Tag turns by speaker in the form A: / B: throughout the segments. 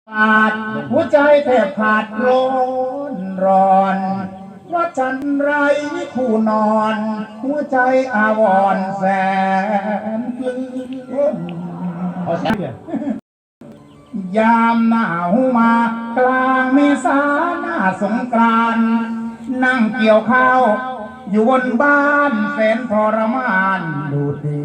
A: ขาดหัวใจแทบขาดร้อนว่าฉันไรคู่นอนหัวใจอาวรแสนปลื้มยามหนาวมากลางเมษาหน้าสงกรานต์นั่งเกี่ยวข้าวอยู่บนบ้านแสนทรมานดูดี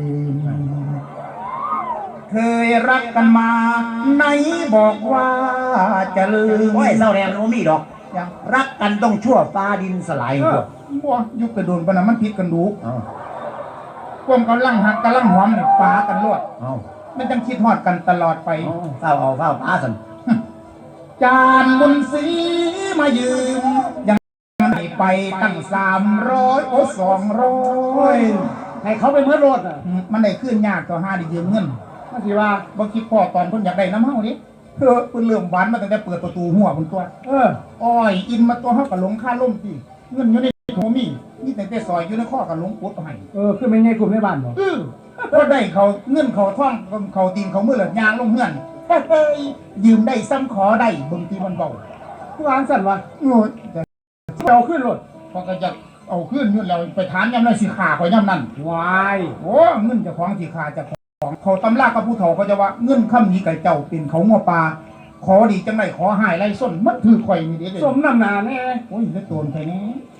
A: เคยรักกันมาไหนบอกว่าจะลืม
B: โอ้ยเศร้าแรงโนมีดอกรักกันต้องชั่วฟ้าดินสลายพวก
A: บ่ยุคกระโดนปะนะมันผิดกันดูพวกกำลังหักกำลังหอมเนี่ยปากันรวดมันจังคิดฮอดกันตลอดไป
B: เฝ้าเอาเฝ้าป้าสัน
A: จานบุญศรีมายืมยังไม่ไปตั้ง300 200
B: ให้เขาไปเมื่อรถอ่ะ
A: มันได้ขึ้นยากต่อ5ได้ยืมเงินมาสิว่าบ่คิดพ่อตอนเพิ่นอยากได้น้ำเฮาดิเพิ่นเริ่มหวานมาตั้งแต่เปิดประตูหัวเพิ่นตัวอ้อยอินมาตัวเฮาก็หลงค่าล่มติเงินอยู่ในโถมีตั้งแต่ซอยอยู่ในข้อก็หลงปุ๊บให้
B: คือไม่ใช่กลุ่มในบ้านบ่
A: ก็ได้เขาเงินเขาท่องเขาตีนเขามือหลัดยางลงเฮือนยืมได้ซ้ำขอได้บางทีมันเบา
B: ผู้อ่านสั่นวะเอาขึ้นรถ
A: พอก็จะเอาขึ้นเงินเราไปถามยำนั้นสิขาข่อยยำนั้น
B: วาย
A: โอ้เงินจะของสิขาจะของเขาตำรากับผู้เฒ่าเขาจะว่าเงินค่ำนี้ไก่เจ้าเป็นเขางัวปลาขอดีจังไรขอหายไรส้นมันถือข่อยนี่เด็ด
B: สมน้ำหนาแน่
A: โอ้ยเลือดโดนใครนี้